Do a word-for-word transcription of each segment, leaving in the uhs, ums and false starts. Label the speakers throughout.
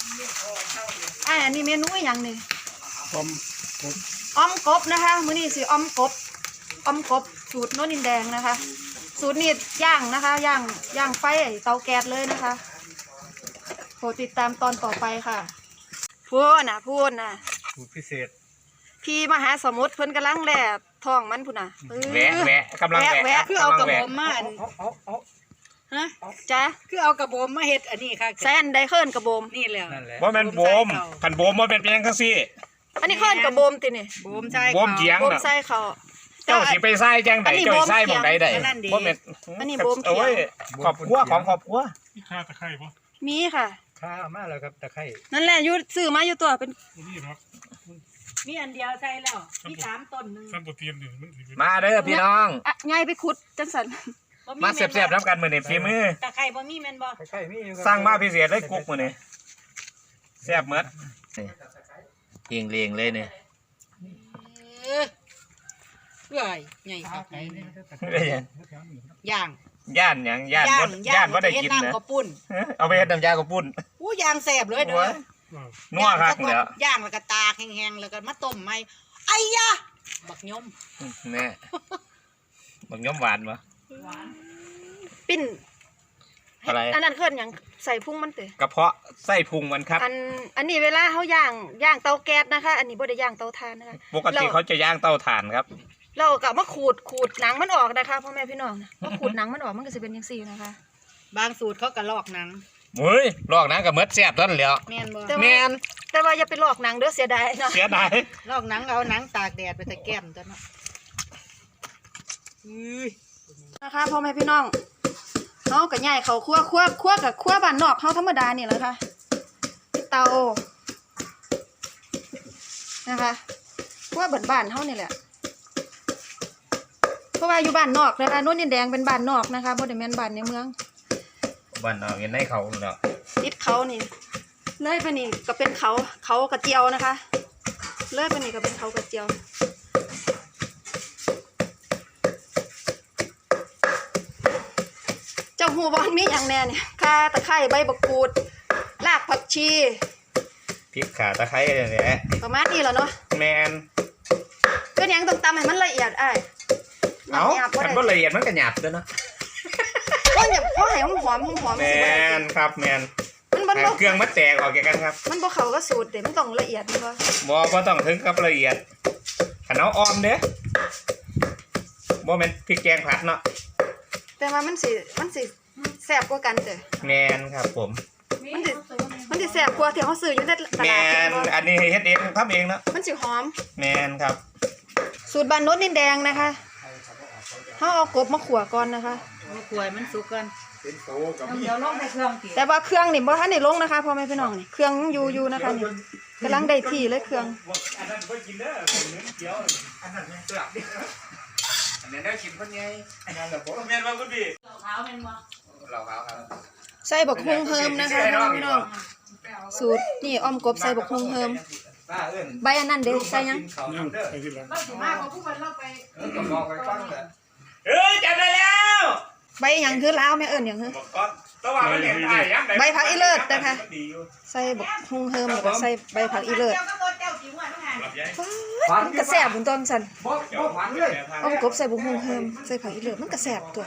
Speaker 1: อ่าอันนี้เมนูอย่างนี้
Speaker 2: อมกบ
Speaker 1: อ้อมกบนะคะมื้อนี้สิอ้อมกบอ้อมกบสูตรโน้นดินแดงนะคะ สูตรนี้ย่างนะคะย่างย่างไฟเตาแก๊สเลยนะคะโปรดติดตามตอนต่อไปค่ะพูดนะพูดนะ
Speaker 2: สูตรพิเศษ
Speaker 1: พี่มหาสมุทรเพิ่นกำลังแล่ท้องมันพุ่นน่ะ
Speaker 3: แวะแวะกำลังแวะ
Speaker 1: แวะคือเอากระบอก
Speaker 4: มาอัน
Speaker 2: เอาเอาเอา
Speaker 1: ฮะจ้ะ
Speaker 4: คือเอากระโบมมาเฮ็ดอันนี้ค่ะ
Speaker 1: แซนไดเคิลกระโบม
Speaker 4: นี่แหละ
Speaker 2: นั่นแหละ
Speaker 3: ว่าเป็นโบมขันโบมว่าเป็นเพียงแค่ซี่
Speaker 1: อันนี้เคิลกระโบมตินี่
Speaker 4: โบมใช่
Speaker 3: โบมเจียง
Speaker 1: โบม
Speaker 3: น่ะ
Speaker 1: ใส่เขา
Speaker 3: เจ้าสิไปไส้แจ้งไหน
Speaker 1: อันนี้
Speaker 3: เจ้า
Speaker 1: โบม
Speaker 3: ไส้หมองใดใด
Speaker 1: เถียง
Speaker 3: บ่เป็น
Speaker 1: อันนี้โบมเถียง
Speaker 3: เอาไว้ครอบครัวของครอบครัว
Speaker 2: มีข้าตะไคร้ปะ
Speaker 1: มีค่ะ
Speaker 2: ข้ามาแล้วครับตะไคร้
Speaker 1: นั่นแหละอยู่ซื้อมาอยู่ตัวเป็น
Speaker 2: นี่เนาะ
Speaker 4: มีอันเดียวใช่แล้วมีสามต้นหนึง
Speaker 2: ซ้ำโปรตีนนี่มันสิเป็น
Speaker 3: มาเด้อพี่น้อง
Speaker 1: อ่ะไงไปขุดจังสัน
Speaker 4: บ่
Speaker 3: มาเสียบๆน้ำกันมื้อนี้ฝีมือ
Speaker 4: ตะไคร้บ่มีแม่นบ่
Speaker 2: ตะไคร้มีอยู่คบ
Speaker 3: สร้างมาพิเศษเลยกุ๊กมื้อนี้แซ่บหมดนี่เลียงๆเลยนี่
Speaker 4: เออเอ้ยใหญ่ครับ
Speaker 3: ได้ยัง
Speaker 4: ย่าง
Speaker 3: ย่านหยังย่านบ่ย่านบ่ได้กิน
Speaker 4: เฮ็
Speaker 3: นะ
Speaker 4: น้ำข้าวปุ้น
Speaker 3: เอาไปเฮ็ดน้ำยากระปุ้น
Speaker 4: อู้ย่างแซ่บเลยเด้อ
Speaker 3: นัวคักเด้อ
Speaker 4: ย่างแล้วก็ตากแห้งๆแล้วก็มาต้มใหม่ไอ้ยะบักยม
Speaker 3: แน่บักยมหวานบ่
Speaker 1: ปิ้น
Speaker 3: อะไร
Speaker 1: อันนั้นเคิลอย่างใส่พุ่งมันเตะ
Speaker 3: กระเพาะไส้พุงมันครับ
Speaker 1: อันอันนี้เวลาเขาย่างย่างเตาแก๊สนะคะ อันนี้บ่ได้ย่างเตาถ่านนะคะ
Speaker 3: ปกติเขาจะย่างเตาถ่านครับ
Speaker 1: เราก็มาขูดขูดหนังมันออกนะคะพ่อแม่พี่น้องนะมาขูดหนังมันออกมันก็จะเป็นอย่างซี่นะคะ
Speaker 4: บางสูตรเขาก็ลอกหนัง
Speaker 3: เฮ้ยลอกหนังกับเมดแซ่บต้นแล้ว
Speaker 4: แม่นบ่
Speaker 1: แต่
Speaker 3: แม
Speaker 1: ว่าน แต่ว่าอย่าไปลอกหนังเด้อเสียดายเนาะ
Speaker 3: เสียดาย
Speaker 4: ลอกหนังเอาหนังตากแดดไปตะแก้มตัวเนาะอื้อ
Speaker 1: นะคะพ่อแม่พี่น้องเขากับใหญ่เขาคั่วคั่วคั่วกับคั่วบ้านนอกเขาธรรมดานี่แหละค่ะเตานะคะคั่วบ้านๆเขานี่แหละเพราะว่าอยู่บ้านนอกนะคะโน่นดินแดงเป็นบ้านนอกนะคะบ่ได้แม่นบ้านในเมือง
Speaker 3: บ้านนอกเห็นในเขาเนาะ
Speaker 1: ติดเขานี่เลยไปนี่ก็เป็นเขาเขากระเจียวนะคะเลยไปนี่ก็เป็นเขากระเจียวเจ้าหูบอลมีอย่างแน่เนี่ยข่าตะไคร้ใบบักกูดรากผักชี
Speaker 3: พริกข่าตะไคร้เนี่ยแหละ
Speaker 1: ประมาณนี้แหละเนาะ
Speaker 3: แมน
Speaker 1: เป็นหยังต้องตำให้มันละเอียดอ้าย
Speaker 3: เอ้า
Speaker 1: หยาบบ่
Speaker 3: คัน
Speaker 1: ได้
Speaker 3: บ่ละเอียดมันก็หยาบเด้อเนาะ
Speaker 1: เพราะเนี่ยเพราะให้มันหอมหอมหอม
Speaker 3: แม
Speaker 1: สิบ่ได้
Speaker 3: นครับแมน
Speaker 1: มันบ่
Speaker 3: ให้
Speaker 1: บ่
Speaker 3: เครื่องมันแตกออกจากกันครับ
Speaker 1: มันบ่เข้ากับสูตรเด้มันต้องละเอียดนี่บ่
Speaker 3: บ่บ่ต้องถึงกับละเอียดคันเอาออมเด้อบ่แม่นพริกแกงผัดเนาะ
Speaker 1: แต่ว่ามันสิมันสิแซ่บกว่ากันเด้อ
Speaker 3: แมนครับผม
Speaker 1: มันสิมันสิแซ่บกว่าที่เฮาซื้ออยู่ในต
Speaker 3: แม
Speaker 1: ลาด
Speaker 3: น
Speaker 1: เห็นบ่
Speaker 3: อันนี้เฮ็ดเองทำเองเนาะ
Speaker 1: มันสิหอม
Speaker 3: แมนครับ
Speaker 1: สูตรบ้านโน้นดินแดงนะคะเขาเอากบมาขั่วก่อนนะคะ
Speaker 4: มากล้วยมันสุกกัน
Speaker 2: เป็นโตกับมี
Speaker 4: เดี๋ยวลงในเครื่องติ
Speaker 1: แต่ว่าเครื่องนี่บ่ทันได้ลงนะคะพ่อแม่พี่น้องนี่เครื่องอยู่อยู่นะคะนี่กำลังได้ที่เลยเครื่อง
Speaker 3: อันนั้นบ่กินเด้อเนื้อเกี๊ยวอันนั้นเสือกดิอันนั้นได้กินคนใหญ่อันนั้นล่ะบ่แม่นว่าคุณพี่
Speaker 4: ขาวแม่นบ่
Speaker 3: เราขาวครับ
Speaker 1: ใส่บักฮุงเฮิมนะคะพ่อแม่พี่น้องสูตรนี่อ้อมกบใส่บักฮุงเฮิม
Speaker 3: ป้าเอิ้น
Speaker 1: ใบอันนั้นเด้ใส่ยัง
Speaker 2: นั่งไปที่หลัง
Speaker 4: เราสิมาของผู้เพิ่นเราไป
Speaker 3: เออก็บอกไปฟังเด้อเอ้ยจำได้แล้ว
Speaker 1: ใบหยังคือลาวแม่เอิ้นหยังคือ
Speaker 3: บอกก่อนแต่ว่ามันเห็นถ่ายยัง
Speaker 1: ใบผักอีเลิศนะคะ
Speaker 3: ดีอยู่
Speaker 1: ใส่บักฮุงเฮิมแล้วก็ใส่ใบผักอีเลิศ
Speaker 4: เจ้าก็บ่เจ้าจิ๋วอ่ะทุกหา
Speaker 1: ฟ้ามันก็แซ่บบุญต้นสัน
Speaker 3: บ่บ่หวานเลย
Speaker 1: อ้อมกบใส่บักฮุงเฮิมใส่ผักอีเลิศมันก็แซ่บตัว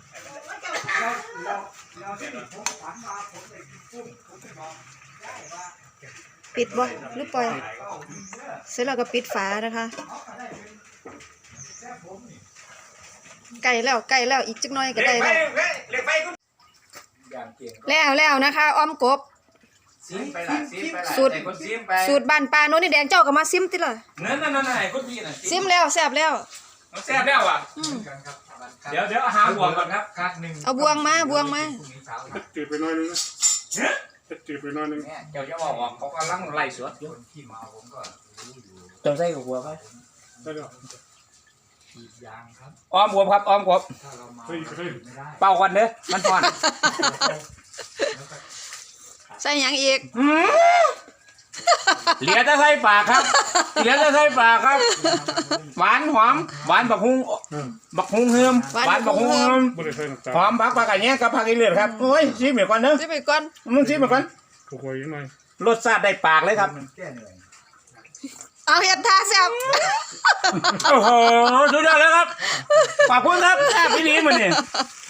Speaker 1: ปิดบ่หรือปล่อยเสร็จแล้วก็ปิดฝานะคะไก่แล้วไก่แล้วอีกจักหน่อยก็ได้แล้ว
Speaker 3: เล็กไปคุณอย่างเก่ง
Speaker 1: แล้วแล้วนะคะอ้อมกบ
Speaker 3: ซิมไปล่ะซิมไปล่ะ
Speaker 1: สูตร
Speaker 3: ให้คนซิมไป
Speaker 1: สูตรบ้านปลาโน้นนี่แดงเจ้าก็มาซิมติล่ะ
Speaker 3: นั่นนั่นนั่นให้คนพี่น่ะ
Speaker 1: ซิมแล้วแซ่บแล้ว
Speaker 3: แซ่บแล้วอ่ะ
Speaker 1: อืม
Speaker 3: เดี๋ยวเดี๋ยวหาบวงก่อนครับคัดหนึ่ง
Speaker 1: เอาบวงมาบวงมา
Speaker 2: จืดไปหน่อยนึงนะจืดไปหน่อยนึง
Speaker 3: เดี๋ยวจะบอกว่าเขากำลังไล่สวดอยู่เติมไส้กับบัวไป
Speaker 2: ได้แล้ว
Speaker 3: อ้อมบวบครับอ้อมบวบ
Speaker 2: เฮ้ยเฮ้ย
Speaker 3: เป่าก่อนเด้อมันก่อน
Speaker 1: ใส่หยังอีก
Speaker 3: เหลือจะใส่ปากครับเหลือจะใส่ปากครับหวานหอมหวานบักฮุ้งบักฮุ้งเฮิมหวานบักฮุ้งเฮิม
Speaker 2: บ่ได้ใส่น้ำตาล
Speaker 3: หอมผักผักอะไรเงี้ยกับผักอีเลือดครับโอ้ยชิมเหมือนกันเนอะ
Speaker 1: ซิมไปก่อน
Speaker 3: มึงชิมเหมือนกัน
Speaker 2: ถูกหวยยังไง
Speaker 3: รสชาติได้ปากเลยครับ
Speaker 1: เอาเห็ดท่าแซ่บ
Speaker 3: โอ้โหสุดยอดเลยครับขอบคุณครับแซ่บพี่ดีมันนี่